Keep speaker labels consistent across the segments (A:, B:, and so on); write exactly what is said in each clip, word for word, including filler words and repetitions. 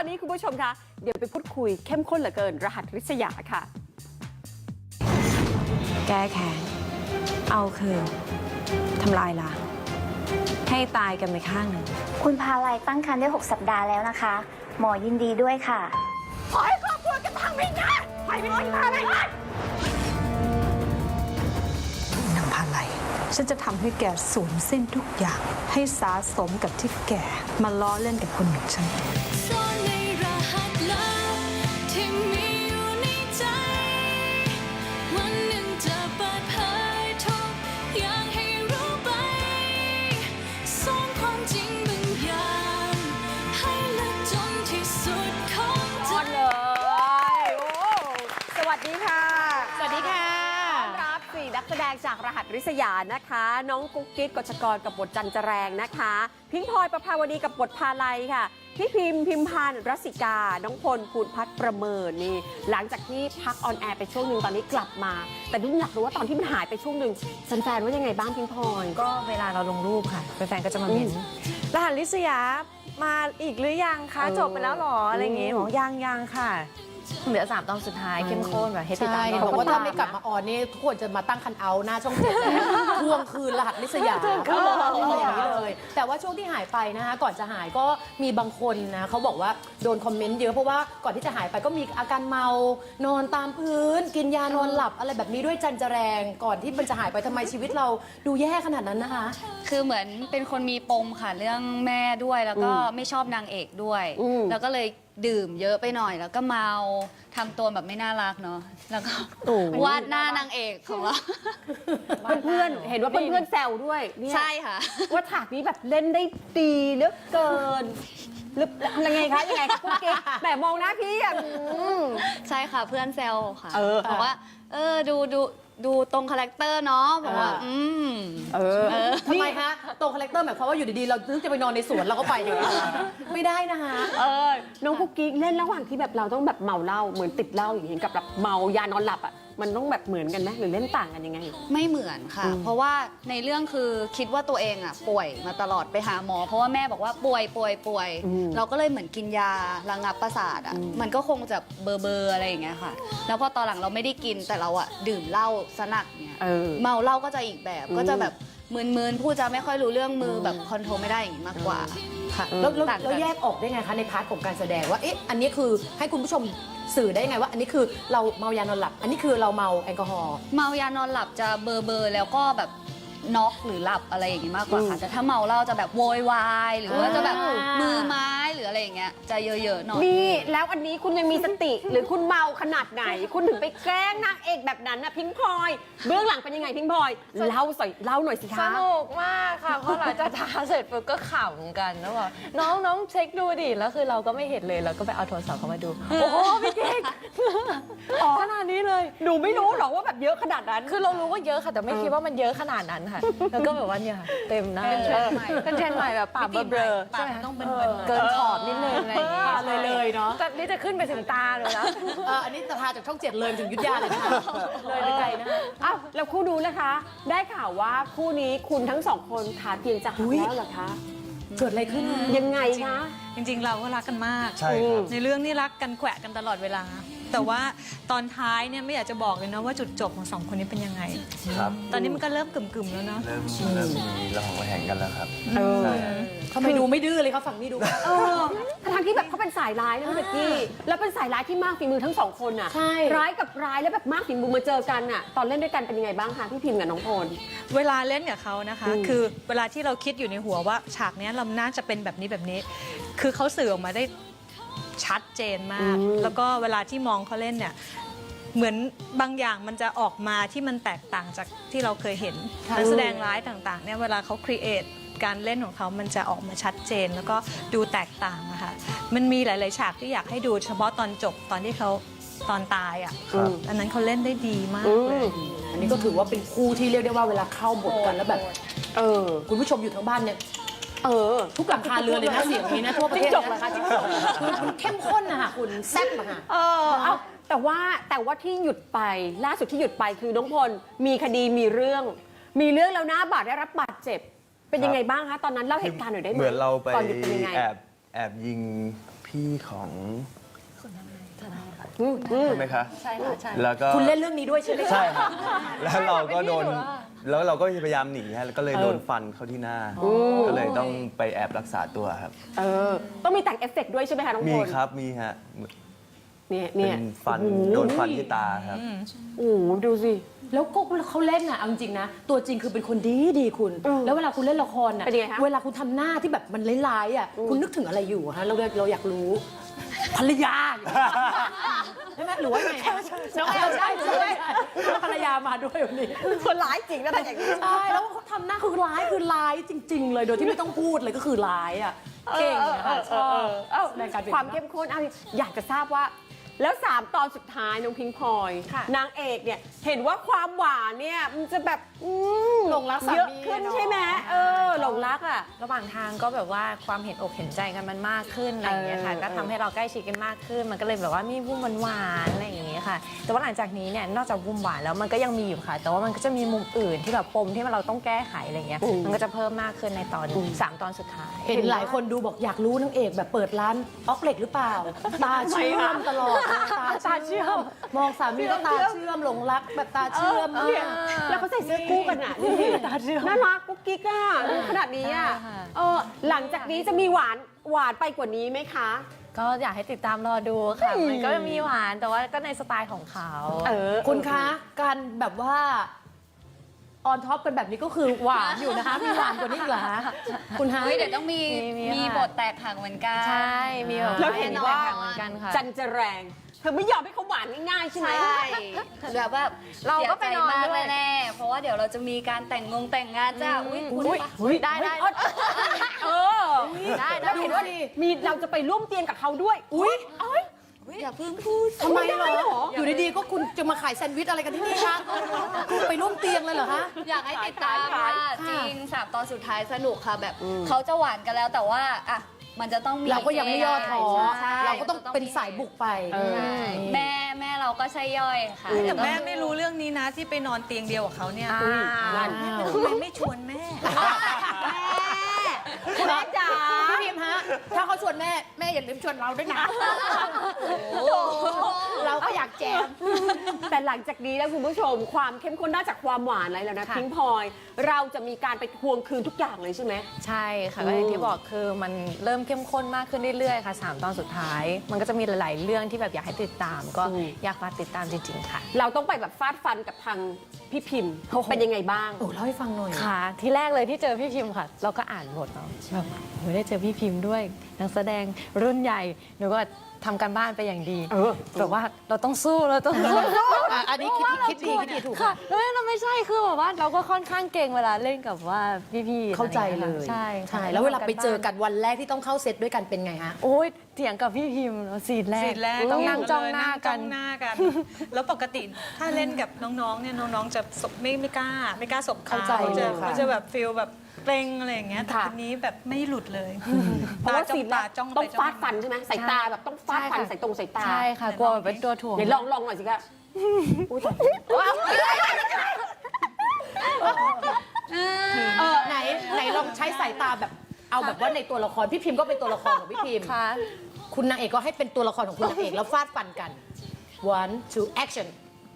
A: นี้คุณผู้ชมคะเดี๋ยวไปพูดคุยเข้มข้นเหลือเกินรหัสริษยาค่ะ
B: แก้แค้นเอาคืนทำลายล้างให้ตายกันไปข้างหนึ่ง
C: คุณพาลัยตั้งครรภ์ได้หกสัปดาห์แล้วนะคะ หมอยินดีด้วยค่ะ
A: ขอให้ครอบครัวกันทางไม่ได้ไปไม่ต้องพาอะไรเลย
D: นางพาลัยฉันจะทำให้แกสูญสิ้นทุกอย่างให้สาสมกับที่แกมาล้อเล่นกับคนอย่างฉัน
E: ซ่อนในรหัสลับที่มีอยู่ในใจวันหนึ่งจะเปิดเผยทุกอย่างให้รู้ไปซ่อนความจริงบางอย่างให้ลึกจนที่สุดของใจ
A: เลยโอ้สวัสดีค่ะ
B: สวัสดีค่ะ
A: ต้อนรับสี่นักแสดงจากรหัสริษยานะคะน้องกุ๊กกิ๊กกฎชกรกับบทจันจแรงนะคะพิงพลอยประภาวดีกับบทพาลัยค่ะพี่พิมพ์พิมพานรัศกาน้องพลภูนพัฒน์ประเมินนี่หลังจากที่พักออนแอร์ไปช่วงหนึ่งตอนนี้กลับมาแต่ดุ้งอยากรู้ว่าตอนที่มันหายไปช่วงหนึ่งแฟนๆว่ายังไงบ้างพิงพลอย
B: ก็เวลาเราลงรูปค่ะแฟนๆก็จะมาเม้นรหัสริษยามาอีกหรือยังคะจบไปแล้วหรออะไรอย่างงี้บอกยังยังค่ะเหลือสามตอนสุดท้ายเข้มข้นแบบเฮติตาม
F: บอกว่าถ้าไม่กลับมาออนนี่ทุกคนจะมาตั้งคันเอาหน้าช่องเจ็ดทวงคืนรหัสริษยาอย่างนี้เลยแต่ว่าช่วงที่หายไปนะคะก่อนจะหายก็มีบางคนนะเขาบอกว่าโดนคอมเมนต์เยอะเพราะว่าก่อนที่จะหายไปก็มีอาการเมานอนตามพื้นกินยานอนหลับอะไรแบบนี้ด้วยจันจแรงก่อนที่มันจะหายไปทำไมชีวิตเราดูแย่ขนาดนั้นนะคะ
G: คือเหมือนเป็นคนมีปมค่ะเรื่องแม่ด้วยแล้วก็ไม่ชอบนางเอกด้วยแล้วก็เลยดื่มเยอะไปหน่อยแล้วก็เมาทำตัวแบบไม่น่ารักเนาะแล้วก็วาดหน้านางเอกของเรา
A: เพื่อนๆเห็นว่าเพื่อนๆแซวด้วย
G: ใช่ค่ะ
A: ว่าฉากนี้แบบเล่นได้ดีเหลือเกินหรือยังไงคะยังไงคะคุณกิ๊กแต่มองหน้าพี่อ่ะ
G: ใช่ค่ะเพื่อนแซวค่ะบอกว่าเออดูดูดูตรงคาแรคเตอร์เนาะบอกว่าอืม
F: เออทำไมคะตรงคาแรคเตอร์หมายความว่าอยู่ดีๆเรานึกจะไปนอนในสวนเราก็ไปอย่างนี้ไม่ได้นะคะ
A: เออน้องกุ๊กกิ๊กเล่นระหว่างที่แบบเราต้องแบบเมาเหล้าเหมือนติดเหล้าอย่างเงี้ยกับแบบเมายานอนหลับอ่ะมันต้องแบบเหมือนกันไหมหรือเล่นต่างกันยังไง
G: ไม่เหมือนค่ะเพราะว่าในเรื่องคือคิดว่าตัวเองอ่ะป่วยมาตลอดไปหาหมอเพราะว่าแม่บอกว่าป่วยป่วยป่วยเราก็เลยเหมือนกินยาระงับประสาทอ่ะมันก็คงจะเบอร์เบอร์อะไรอย่างเงี้ยค่ะแล้วพอตอนหลังเราไม่ได้กินแต่เราอ่ะดื่มเหล้าสนักเนี่ยเมาเหล้าก็จะอีกแบบก็จะแบบมึนๆพูดจะไม่ค่อยรู้เรื่องมือแบบคอนโทรลไม่ได้อย่างนี้มากกว่า
F: ค่ะแล้วเราแยกออกได้ไงคะในพาร์ทของการแสดงว่าเอ๊ะอันนี้คือให้คุณผู้ชมสื่อได้ไงว่าอันนี้คือเราเมายานอนหลับอันนี้คือเราเมาแอลกอฮอล์
G: เมายานอนหลับจะเบอร์เบอร์แล้วก็แบบน็อกหรือหลับอะไรอย่างนี้มากกว่าค่ะแต่ถ้าเมาเหล้าจะแบบโวยวายหรือว่าจะแบบมือไม้หรืออะไรอย่างเงี้ยจะเยอะๆหน่อย
A: นี่แล้วอันนี้คุณยังมีสติหรือคุณเมาขนาดไหนคุณถึงไปแกล้งนางเอกแบบนั้นนะพิงพลอยเบื้องหลังเป็นยังไงพิงพลอยเล่าสอยเล่าหน่อยสิคะ
B: สนุกมากค่ะเพราะหลังจากทาเสร็จปุ๊บก็ขำกันแล้วบอกน้องน้องเช็คดูดิแล้วคือเราก็ไม่เห็นเลยเราก็ไปเอาโทรศัพท์เขามาดูโอ้โหพี่เก๊กขนาดนี้เลย
A: หนูไม่รู้หรอกว่าแบบเยอะขนาดนั้น
B: คือเรารู้ว่าเยอะค่ะแต่ไม่คิดว่ามันเยอะขนาดนั้นค่ะแล้วก็แบบว่าเนี่ยเต็มหน้าเป็นเทรนด์ใหม่เป็นเทรนด์ใหม่แบบปากเบลอใช่ไหมต้องเป็นเกินขอบนิดนึงอะไรอย่างเงี้ย
F: เลยเลยเนาะ
B: นี่จะขึ้นไปถึงตาเลยนะ
F: อันนี้จะพาจากช่องเจ็ดเลยถึงยุทธยาเลยนะคะเลยไปไกลนะคะ
A: อ้าวแล้วคู่ดูนะคะ ได้ข่าวว่าคู่นี้คุณทั้งสองคนขาเพียงจะหักแล้วเหรอคะ
F: เกิดอะไรขึ้น
A: ยังไงคะ
D: จริงๆเราก็รักกันมาก
H: ใช่ครับ
D: ในเรื่องนี้รักกันแขวะกันตลอดเวลาแต่ว่าตอนท้ายเนี่ยไม่อยากจะบอกเลยนะว่าจุดจบของสองคนนี้เป็นยังไง
H: ครับ
D: ตอนนี้มันก็เริ่มกึ่มๆแล้วเนาะ
H: เริ่มเริ่มมีระหองระแหงกันแล้วครับ
F: ใช่ทำไมดูไม่ดื้อเลยเขาฝั่งนี้ดู
A: เออทั้งที่แบบเขาเป็นสายร้ายนะพี่เบกกี้แล้วเป็นสายร้ายที่มากฝีมือทั้งสองคนอ่ะร้ายกับร้ายแล้วแบบมากฝีมือมาเจอกันอ่ะตอนเล่นด้วยกันเป็นยังไงบ้างคะพี่พิมพ์กับน้องพล
D: เวลาเล่นกับเขานะคะคือเวลาที่เราคิดอยู่ในหัวว่าฉากนี้เราน่าจะเป็นแบบนี้แบบนี้คือเขาสื่อออกมาได้ชัดเจนมากแล้วก็เวลาที่มองเขาเล่นเนี่ยเหมือนบางอย่างมันจะออกมาที่มันแตกต่างจากที่เราเคยเห็นนักแสดงร้ายต่างๆเนี่ยเวลาเขาครีเอทการเล่นของเขามันจะออกมาชัดเจนแล้วก็ดูแตกต่างอะค่ะมันมีหลายๆฉากที่อยากให้ดูเฉพาะตอนจบตอนที่เขาตอนตายอ่ะอันนั้นเขาเล่นได้ดีมากเลย
F: อันนี้ก็ถือว่าเป็นคู่ที่เรียกได้ว่าเวลาเข้าบทกันแล้วแบบเออคุณผู้ชมอยู่ทั้งบ้านเนี่ยเออทุกหลังคาเรือนเลยนะเสียงนี้นะทั่วประเทศจบเลยค่ะจริงจบคือมันเข้มข้นนะคะคุณแซ่บอะค่ะ
A: เออเอาแต่ว่าแต่ว่าที่หยุดไปล่าสุดที่หยุดไปคือน้องพลมีคดีมีเรื่องมีเรื่องแล้วนะบาดได้รับบาดเจ็บเป็นยังไงบ้างคะตอนนั้นเล่าเหตุการณ์หน่อยได้ไหม
H: เหมือนเราไป
A: ตอนหยุดเป็นยังไง
H: แอบแอบยิงพี่ของ
A: อืมอืม
H: ใช่ไหมคะ
B: ใช่ค่ะใช่
H: แล้วก็
F: คุณเล่นเรื่องนี้ด้วยใช่ไหมคะ
H: ใช่ครับแล้วเราก็โดน
B: เป็นพี่หนูเหรอ
H: แล้วเราก็พยายามหนีฮะแล้วก็เลยโดนฟันเข้าที่หน้า ก็เลยต้องไปแอบรักษาตัวครับ
A: เออ ต้องมีแต่งเอฟเฟกต์ด้วยใช่ไหมคะน้องพล
H: มีครับมีฮะ
A: เนี่ย
H: เป็
A: เนี่ย
H: นฟัน
A: โอ้โห
H: โดนฟันที่ตาครับ
A: โอ้โหดูสิ
F: แล้วก็เขาเล่นอ่ะเอาจริงๆนะ ตัวจริงคือเป็นคนดีดีคุณ
A: อืม
F: แล้วเวลาคุณเล่นละครอ่ะ
A: เป็นยังไงคะ
F: เวลาคุณทำหน้าที่แบบมันร้ายๆอ่ะคุณนึกถึงอะไรอยู่ฮะเราเราอยากรู้ภรรยาใช่ไหมหรือว่าไงน้องแอลใช่ใช่ภรรยามาด้วยวันนี้
A: คนร้ายจริงนะแต่อย่างนี้
F: ใช่แล้วเขาทำหน้าคือร้ายคือร้ายจริง ๆ เลยโดยที่ไม่ต้องพูดเลยก็คือร้ายอ่ะเก่งนะคะชอบ
A: เอ้า
F: ในการเป็น
A: ความเข้มข้นเอาอยากจะทราบว่า แล้วสามตอนสุดท้ายน้องพิงพลอย
B: ค่ะ
A: นางเอกเนี่ยเห็นว่าความหวานเนี่ยมันจะแบบอืม
F: หลงรักสามี
A: เยอะขึ้นใช่ไหมเออหลงรักอ่ะ
B: ระหว่างทางก็แบบว่าความเห็นอกเห็นใจกันมันมากขึ้นอะไรอย่างเงี้ยค่ะ
A: เออ
B: ก็ทำให้เราใกล้ชิดกันมากขึ้น มันก็เลยแบบว่ามีวุ้มหวานๆอะไรอย่างเงี้ยค่ะ แต่ว่าหลังจากนี้เนี่ยนอกจากวุ้มหวานแล้วมันก็ยังมีอยู่ค่ะ แต่ว่ามันก็จะมีมุมอื่นที่แบบปมที่เราต้องแก้ไขอะไรเงี้ย
A: อืม
B: มันก็จะเพิ่มมากขึ้นในตอนสามตอนสุดท้าย
F: เห็นหลายคนดูบอกอยากรู้นางเอกแบบเปิดร้านออกเหล็กหรือเปล่า ตาเชื่อมตลอดตาเชื่อมมองสามีก็ตาเชื่อมหลงรักแบบตาเชื่อม
A: เออเนี่ยแล้วเขาใส่เสื้อคู่กันอ่ะดูสิน่ารักกุ๊กกิ๊กอ่ะดูขนาดนี้อ่ะ
B: ใช่ค่ะ
A: เออหลังจากนี้จะมีหวานหวานไปกว่านี้ไหมคะ
B: ก็อยากให้ติดตามรอดูค่ะ มันก็จะมีหวานแต่ว่าก็ในสไตล์ของเขา
A: เออ
F: คุณคะการแบบว่าออนท็อปกันแบบนี้ก็คือหวานอยู่นะคะ มีหวานกว่านี้อีกเหรอคะคุณฮะ
G: เฮ้ยเดี๋ยวต้องมี
B: มี
G: มี
B: ค่ะ
G: บทแตกหักเหมือนกัน
B: ใช่ มีแบบ
A: แล้วเห็นว่า
B: แน่นอนเหมือนกันค่ะ
A: จันจะแรงเธอไม่ยอมให้เขาหวานง่ายๆใช่ไหม
G: ใช่แบบว่า
B: เราก็ไปนอน
G: เสียใจมาก
B: ด้วย
G: แน่ๆเพราะว่าเดี๋ยวเราจะมีการแต่งงงแต่งงานจ้าอุ้ยคุณปะ
B: ได้ได้
A: เออ
B: ได้ได้
A: แล้วเห็นว่ามีเราจะไปร่วมเตียงกับเขาด้วย อุ้ย
G: อย่าเพิ่งพูด
F: ทำไมเหรออยู่ดีๆก็คุณจะมาขายแซนด์วิชอะไรกันที่นี่คะคุณไปร่วมเตียงเลยเหรอคะ
G: อยากให้ติดตามค่ะ
A: ขาย
G: จริงสามตอนสุดท้ายสนุกค่ะแบบเขาจะหวานกันแล้วแต่ว่าอ่ะมันจะต้องมี
F: เราก็ยังไม่ย่อท้อ
G: ใช่
F: เราก็ต้องเป็นสายบุกไป
G: ใช่แม่แม่เราก็ใช่ย่อยค่ะ
D: แต่แม่ไม่รู้เรื่องนี้นะที่ไปนอนเตียงเดียวกับเขาเนี่ย
B: อ่า
D: ทำไมไม่ชวนแม่
A: แม่จ๋า
F: พี่พิมฮะ ถ้าเขาชวนแม่ แม่อย่าลืมชวนเราด้วยนะ เราก็อยากแจม
A: แต่หลังจากนี้นะคุณผู้ชม ความเข้มข้นนอกจากความหวานอะไรแล้วนะ
B: ค่ะ
A: พิงพลอยเราจะมีการไปทวงคืนทุกอย่างเลยใช่ไหม
B: ใช่ค่ะก็อย่างที่บอกคือมันเริ่มเข้มข้นมากขึ้นเรื่อยๆค่ะสามตอนสุดท้าย มันก็จะมีหลาย ๆ เรื่องที่แบบอยากให้ติดตาม ก็
A: อืม
B: อยากฝากติดตามจริง ๆ ค่ะ
A: เราต้องไปแบบฟาดฟันกับทางพี่พิมพ์เป็นยังไงบ้าง
F: โอ้เล่าให้ฟังหน่อย
B: ค่ะ ที่แรกเลยที่เจอพี่พิมพ์ค่ะ เราก็อ่านบทเนาะแบบโหได้เจอพี่พิมพ์ด้วยนักแสดงรุ่นใหญ่หนูก็ทำการบ้านไปอย่างดี
A: เออ
B: แบบว่าเราต้องสู้เราต้องสู้
F: อ่ะอันนี้คิดคิดดีคิดดีถูก
B: ค่ะแล้วเราไม่ใช่คือแบบว่าเราก็ค่อนข้างเก่งเวลาเล่นกับว่าพี่ๆ
F: เข้าใจเลย
B: ใช่
F: ใช่แล้วเวลาไปเจอกันวันแรกที่ต้องเข้าเซตด้วยกันเป็นไงฮะ
B: โอ้ยเถียงกับพี่พิมพ์ซีนแรก
D: สีแรก
B: ต้องนั่งจ้องหน้ากัน
D: งจ้องหน้ากัน แล้วปกติถ้าเล่นกับน้องๆเนี่ยน้องๆจะสบไม่ไม่กล้า ไม่กล้าสบต
F: เข้าใจ
D: เขาจะ
F: เลยค่ะ
D: เขาจะแบบฟีลแบบเกรงอะไรอย่างเงี้ยแต่
A: ค่ะ
D: คนนี้แบบไม่หลุดเลย
A: เพราะว่า
D: จ้อ
A: สี
D: ง
A: แร
D: ตาก จ้อง
A: ต้
D: ไป
A: อง
D: จ้อง
A: ฟาดฟั
D: มาน
A: ใช่ไหมสายตาแบบต้องฟาดฟัน
B: ใช่ค่ะ
A: ใส่ตรงสายตา
B: ใช่ค่ะกลัวแบบเป็นตัวถ่วง
A: เดี๋ยวลองลองหน่อยสิคะอุ๊ยตาย
F: เออไหนไหนลองใช้สายตาแบบเอาแบบว่าในตัวละครพี่พิมพ์ก็เป็นตัวละครของพี่พิมพ์
B: ค่ะ
F: คุณนางเอกก็ให้เป็นตัวละครของคุณนางเอกแล้วฟาดฟันกัน one two action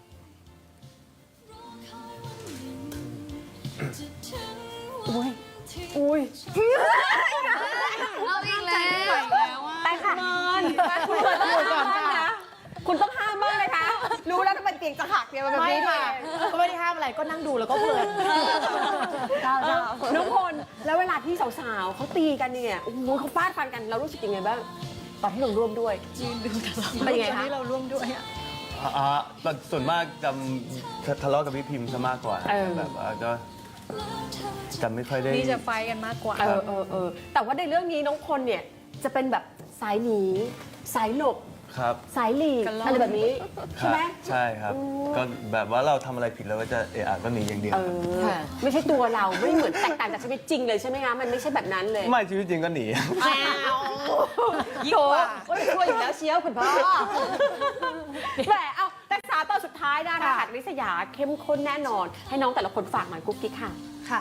A: อุ้ยอุ้ย
G: เอาอีกแล้ว
A: ไปค่ะนอนคุณเปิดตัวก่อนนะคุณต้องห้ามบ้างเลยคะรู้แล้วก็เป็นเตียงจะหักเนี่ยมันแบบ
F: ไม่
A: นี้
F: ค่ะก็ไม่ได้ห้ามอะไรก็นั่งดูแล้วก็เพลิน
A: เออน้องพลแล้วเวลาที่สาวๆเขาตีกันเนี่ยโอ้โหเขาฟาดฟันกันเรารู้สึกยังไงบ้างตอนที่เราร่วมด้วยเป็นยังไง
D: ตอน
A: คะ
D: นี้เราร่วมด้วยอะ
H: อ่าแต่ส่วนมากจำทะเลาะกับพี่พิมพ์ซะมากกว่า
A: เออ
H: แบบว่าก็จำไม่ค่อยได้
D: นี่จะไฟกันมากกว่า
A: เออเออเออแต่ว่าในเรื่องนี้น้องพลเนี่ยจะเป็นแบบสายหนีสายหลบ
H: ครับ
A: สายหลีก
D: กันล่อน
A: อะไรแบบนี้
H: ค
A: ใช่
H: รับ
A: ไหม
H: ใช่ครับ ก็แบบว่าเราทำอะไรผิดแล้วก็จะเอะอะก็หนีอย่างเดียว
A: เอ
H: ครับ
A: อไม่ใช่ตัวเราไม่เหมือนแตกต่างจากชีวิตจริงเลยใช่ไหมคะมันไม่ใช่แบบนั้นเลย
H: ไม่ชีวิตจริงก็หนี
A: ยิ่งกว่าช่วยอยู่แล้วเชียวคุณพ่อแหมเอาแต่สามตอนสุดท้ายนะรหัสริษยาเข้มข้นแน่นอน ให้น้องแต่ละคนฝากหน่อยกุ๊กกิ๊กค่ะ
D: ค่ะ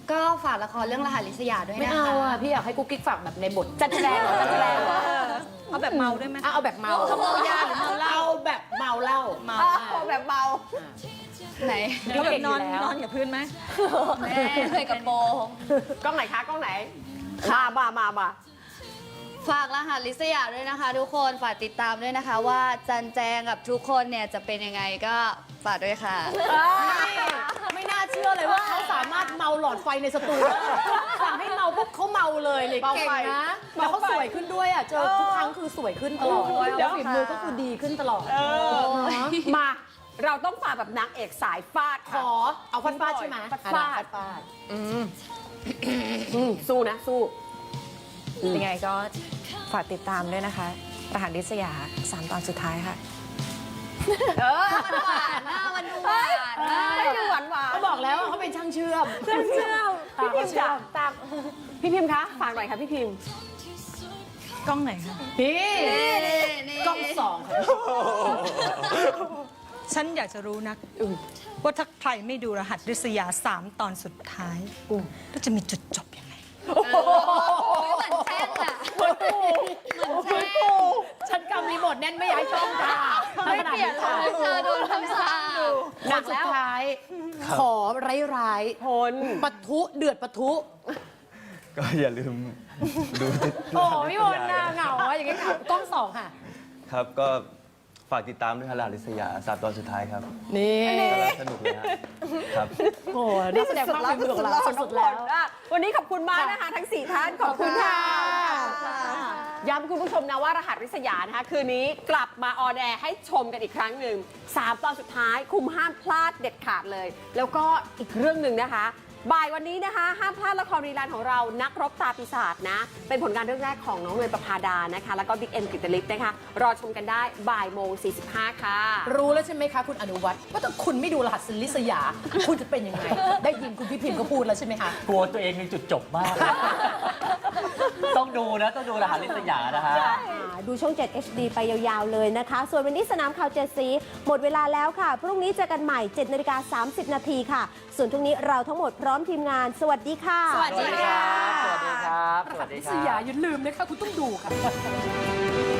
G: ก็ฝากละครเรื่องรหัสลิศยาด้วย
F: ไม่
G: นะคะ
F: เอาอ่ะพี่อยากให้กุ๊กกิ๊กฝากแบบในบท
A: จันแสดงเหรอจันแสดงเหรอ
D: เอาแบบเมาได้ไหม
F: อ่ะเอาแบบเมา
D: เมายาหรือเมาเหล้า
F: เอาแบบเมาเหล้า
D: เมา
A: เอาแบบเบา
G: ไหน
D: เอาแบบนอนนอนกับพื้นไหม
G: แม่ใส่กระโปรง
A: กล้องไหนคะกล้องไหน มามามามา
G: ฝากรหัสลิศยาด้วยนะคะ ทุกคนฝากติดตามด้วยนะคะ ว่าจันแจงกับทุกคนเนี่ยจะเป็นยังไงก็ฝากด้วยค่ะ
F: ไม่น่าเชื่อเลยว่าเขาสามารถเมาหลอดไฟในสตูได้สั่งให้เมาปุ๊บเขาเมาเลยเลย
A: เมา
F: เก่ง
A: ไฟ
F: นะแล้วเขาสวยขึ้นด้วยอ่ะเจอทุกครั้งคือสวยขึ้นตลอด
A: เออ
F: แล้วฝีมือก็คือดีขึ้นตลอด
A: มา เราต้องฝากแบบนางเอกสายฟาด
F: ข
A: ค่ะ
F: อเอาฟาดฟาดใช่ไหม
A: ฟาดฟาด
F: ฟาดฟาด
A: อืมสู้นะสู้
B: ยังไงก็ฝากติดตามด้วยนะคะ รหัสลิศยาสามตอนสุดท้ายค่ะ
A: เออ
G: หวานหน้ามันดูหวานมาก
A: ไม่ดูหวานหวาน
F: เขาบอกแล้วว่าเขาเป็นช่างเชื่อม
A: เชื่อเชื่อพี่พิมพ์
F: เชื่
A: จ้ะ
F: อมตาม
A: พี่พิมพ์คะฝากหน่อยค่ะพี่พิมพ์
D: กล้องไหนคะ
F: นี่
G: นี่
F: กล้องสองค่ะ
D: ฉันอยากจะรู้นักว่าถ้าใครไม่ดูรหัสริษยาสามตอนสุดท้ายก็จะมีจุดจบยังไง
G: เหมือนแช่งอะเหมือนแช่ง
F: ฉันกำรีโมทแน่นไม่ย้ายช่องค่ะ
G: ไม่เปลี่ยนเลยเธอโดนคำสาป
F: หนักสุดท้าย ขอร้ายร้าย
A: พล
F: ๆปะทุเดือดปะทุ
H: ก็อย่าลืมดูติด
F: โอ้พี่บอลน่าเหงาอะอย่างเงี้ยเหงากล้องสองค่ะ
H: ครับก็ฝากติดตามด้วยครับรหัสลิศยาสามตอนสุดท้ายครับ
F: นี่
H: กำลังสนุกเลยฮะครับ
F: โอ้โหนักแสดงมากฝีมือของเราสุดๆแล้ว
A: อ่ะวันนี้ขอบคุณมากนะคะทั้งสี่ท่านขอบคุณค่ะ ย้ำคุณผู้ชมนะว่ารหัสริษยานะคะคืนนี้กลับมาออนแอร์ให้ชมกันอีกครั้งหนึ่งสามตอนสุดท้ายคุมห้ามพลาดเด็ดขาดเลย แล้วก็อีกเรื่องหนึ่งนะคะบ่ายวันนี้นะคะห้ามพลาดละครรีลันของเรานักรบตาปีศาจนะเป็นผลงานเรื่องแรกของน้องเนยประภาดานะคะแล้วก็บิ๊กเอ็มกิตติลิศนะคะรอชมกันได้บ่ายโมงสี่สิบห้าค่ะ
F: รู้แล้วใช่ไหมคะคุณอนุวัฒน์ว่าถ้าคุณไม่ดูรหัสลิศยา คุณจะเป็นยังไง ได้ยินคุณพี่พิมพ์ก็พูดแล้วใช่ไหมคะ
I: กลัวตัวเองมีจุดจบมาก ต้องดูนะ ต้องดูรหัสลิศยานะฮะ
J: ดูช่อง เจ็ด เอช ดี ไปยาวๆเลยนะคะ ส่วนวันนี้สนามข่าวเจ็ดสีหมดเวลาแล้วค่ะ พรุ่งนี้เจอกันใหม่ เจ็ดนาฬิกาสามสิบนาทีค่ะ ส่วนพรุ่งนี้เราทั้งหมดพร้อมทีมงาน สวัสดีค่ะ
F: สวัสดีค่ะ
I: สวัสดีครับ
F: รหัสลิศยาอย่าลืมนะคะคุณต้องดูค่ะ